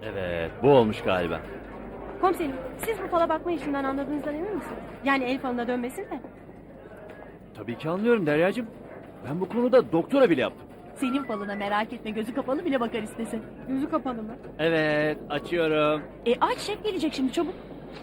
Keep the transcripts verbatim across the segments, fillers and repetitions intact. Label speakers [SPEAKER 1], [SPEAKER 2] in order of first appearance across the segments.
[SPEAKER 1] Evet, bu olmuş galiba.
[SPEAKER 2] Komiserim, siz bu fala bakma işinden anladığınızdan emin misiniz? Yani el falına dönmesin de.
[SPEAKER 1] Tabii ki anlıyorum Deryacığım. Ben bu konuda doktora bile yaptım.
[SPEAKER 3] Senin falına merak etme, gözü kapalı bile bakar istesin.
[SPEAKER 2] Gözü kapalı mı?
[SPEAKER 1] Evet, açıyorum.
[SPEAKER 3] E aç, şef gelecek şimdi, çabuk.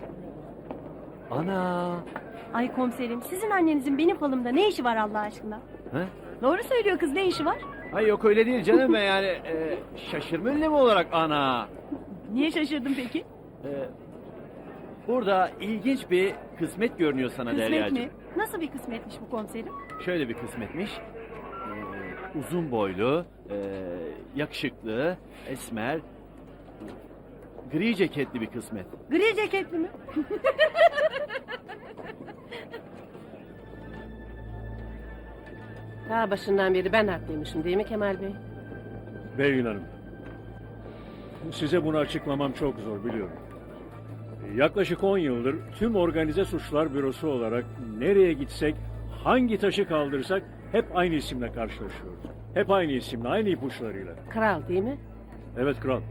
[SPEAKER 1] Ana.
[SPEAKER 2] Ay komiserim, sizin annenizin benim falımda ne işi var Allah aşkına?
[SPEAKER 1] He?
[SPEAKER 3] Doğru söylüyor kız, ne işi var?
[SPEAKER 1] Hayır yok öyle değil canım ben yani e, şaşırma ünlemi olarak ana.
[SPEAKER 3] Niye şaşırdın peki?
[SPEAKER 1] E, burada ilginç bir kısmet görünüyor sana
[SPEAKER 3] Kısmet
[SPEAKER 1] Deryacığım.
[SPEAKER 3] mi?
[SPEAKER 2] Nasıl bir kısmetmiş bu komiserim?
[SPEAKER 1] Şöyle bir kısmetmiş. E, uzun boylu, e, yakışıklı, esmer, gri ceketli bir kısmet.
[SPEAKER 2] Gri ceketli mi?
[SPEAKER 4] Daha başından beri ben haklıymışım değil mi Kemal Bey?
[SPEAKER 5] Belgin Hanım, size bunu açıklamam çok zor biliyorum. Yaklaşık on yıldır tüm organize suçlar bürosu olarak nereye gitsek, hangi taşı kaldırsak hep aynı isimle karşılaşıyoruz. Hep aynı isimle, aynı ipuçlarıyla.
[SPEAKER 4] Kral değil mi?
[SPEAKER 5] Evet kral.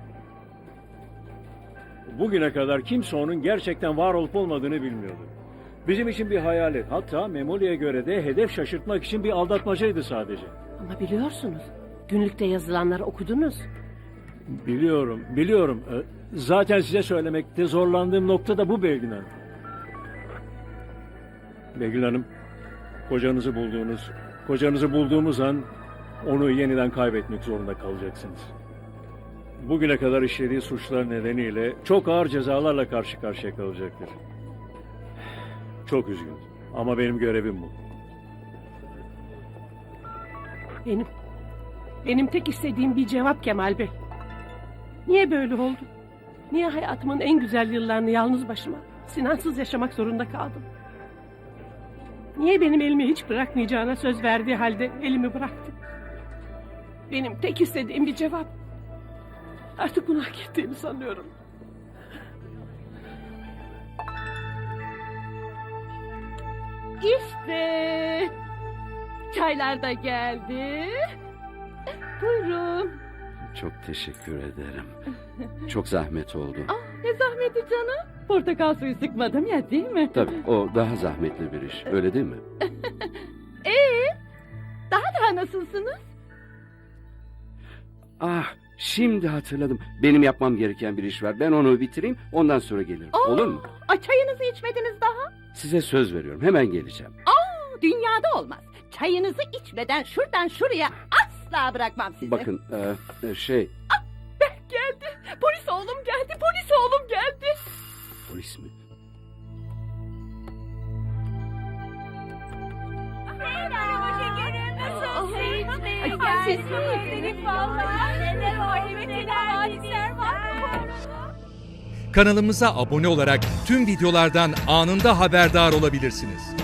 [SPEAKER 5] Bugüne kadar kimse onun gerçekten var olup olmadığını bilmiyordu. Bizim için bir hayalet, hatta Memoli'ye göre de hedef şaşırtmak için bir aldatmacaydı sadece.
[SPEAKER 4] Ama biliyorsunuz, günlükte yazılanları okudunuz.
[SPEAKER 5] Biliyorum, biliyorum. Ee, Zaten size söylemekte zorlandığım nokta da bu Belgin Hanım. Belgin Hanım, kocanızı bulduğunuz, kocanızı bulduğumuz an onu yeniden kaybetmek zorunda kalacaksınız. Bugüne kadar işlediği suçlar nedeniyle çok ağır cezalarla karşı karşıya kalacaktır. Çok üzgünüm ama benim görevim bu.
[SPEAKER 4] Benim, benim tek istediğim bir cevap Kemal Bey. Niye böyle oldu? Niye hayatımın en güzel yıllarını yalnız başıma, Sinansız yaşamak zorunda kaldım? Niye benim elimi hiç bırakmayacağına söz verdiği halde elimi bıraktı? Benim tek istediğim bir cevap. Artık bunu hak ettiğimi sanıyorum. İşte çaylar da geldi. Buyurun.
[SPEAKER 6] Çok teşekkür ederim. Çok zahmet oldu.
[SPEAKER 3] Ne zahmeti canım? Portakal suyu sıkmadım ya, değil mi?
[SPEAKER 6] Tabii o daha zahmetli bir iş. Öyle değil mi?
[SPEAKER 3] Daha daha nasılsınız?
[SPEAKER 6] Ah, şimdi hatırladım. Benim yapmam gereken bir iş var. Ben onu bitireyim, ondan sonra gelirim. Olur mu?
[SPEAKER 3] Ay, çayınızı içmediniz daha.
[SPEAKER 6] Size söz veriyorum. Hemen geleceğim.
[SPEAKER 3] Dünyada olmaz. Çayınızı içmeden şuradan şuraya asla bırakmam sizi.
[SPEAKER 6] Bakın, e, e, şey...
[SPEAKER 3] Geldi. Polis oğlum geldi. Polis oğlum geldi.
[SPEAKER 6] Polis mi?
[SPEAKER 2] Merhaba şekerim, nasılsın?
[SPEAKER 3] Ay,
[SPEAKER 2] Ay,
[SPEAKER 3] siz
[SPEAKER 2] özledik vallahi. Neler var, evet neler hadisler var.
[SPEAKER 7] Kanalımıza abone olarak tüm videolardan anında haberdar olabilirsiniz.